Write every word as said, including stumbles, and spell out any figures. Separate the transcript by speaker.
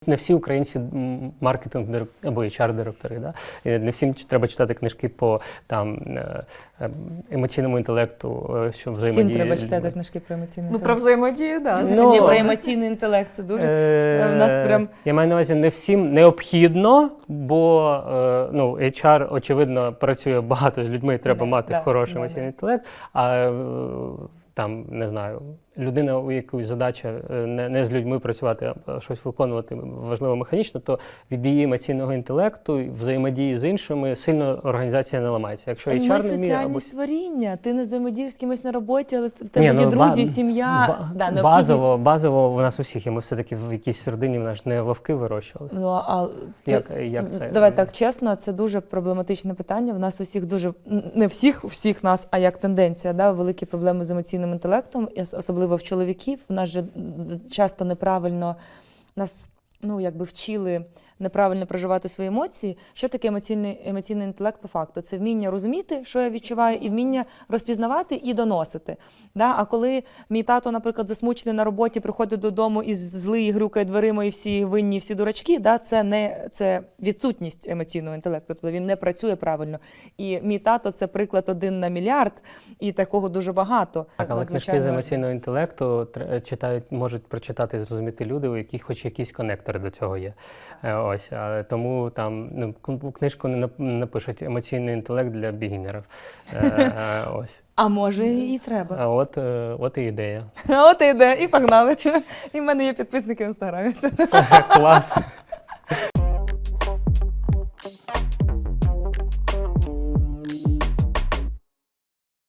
Speaker 1: Не всі українці м, маркетинг або ейч ар-директори. Да? І не всім треба читати книжки по там, е, е, емоційному інтелекту, е, що взаємодіє.
Speaker 2: Всім треба
Speaker 1: з
Speaker 2: читати
Speaker 1: людьми.
Speaker 2: книжки про емоційний
Speaker 3: Ну,
Speaker 2: інтелект.
Speaker 3: про взаємодію, так.
Speaker 1: Ну,
Speaker 2: Ні, про емоційний інтелект. Це дуже...
Speaker 1: Е,
Speaker 2: в нас прям...
Speaker 1: Я маю на увазі, не всім необхідно, бо е, ну, ейч ар, очевидно, працює багато з людьми, треба
Speaker 2: Да,
Speaker 1: мати
Speaker 2: да,
Speaker 1: хороший
Speaker 2: да,
Speaker 1: емоційний
Speaker 2: да.
Speaker 1: інтелект, а е, там, не знаю, людина, у якої задача не, не з людьми працювати, а щось виконувати важливо механічно, то від її емоційного інтелекту, взаємодії з іншими, сильно організація не ламається. Якщо ейч
Speaker 2: Ми
Speaker 1: ар не вміє...
Speaker 2: соціальні
Speaker 1: або...
Speaker 2: створіння. Ти не взаємодієш з кимось на роботі, але в тебе
Speaker 1: Ні,
Speaker 2: є
Speaker 1: ну,
Speaker 2: друзі,
Speaker 1: ба-
Speaker 2: сім'я.
Speaker 1: ба-
Speaker 2: Да, необхідність-
Speaker 1: базово, базово в нас усіх, і ми все-таки в якійсь родині в нас не вовки вирощували.
Speaker 2: Ну, а це...
Speaker 1: Як, як це?
Speaker 2: Давай так чесно, це дуже проблематичне питання. В нас усіх дуже, не всіх, всіх нас, а як тенденція, да, великі проблеми з емоційним інтелектом, і особливо в чоловіків. В нас же часто неправильно, нас, ну, якби вчили неправильно проживати свої емоції. Що таке емоційний, емоційний інтелект по факту? Це вміння розуміти, що я відчуваю, і вміння розпізнавати і доносити. Да? А коли мій тато, наприклад, засмучений на роботі, приходить додому і злий, грюкає дверима, і всі винні, всі дурачки, да? це, не, це відсутність емоційного інтелекту, тобто він не працює правильно. І мій тато – це приклад один на мільярд, і такого дуже багато.
Speaker 1: Так, але книжки
Speaker 2: Надзвичайно
Speaker 1: з
Speaker 2: важливо.
Speaker 1: емоційного інтелекту тр- читають, можуть прочитати і зрозуміти люди, у яких хоч якісь конектори до цього є. Е, Ось, а тому там ну, кн- книжку не нап- не напишуть емоційний інтелект для бігінерів. Е, е, Ось.
Speaker 2: А може і треба.
Speaker 1: А от, е, от і ідея.
Speaker 2: От і йде, і погнали. І в мене є підписники в інстаграмі.
Speaker 1: Це клас.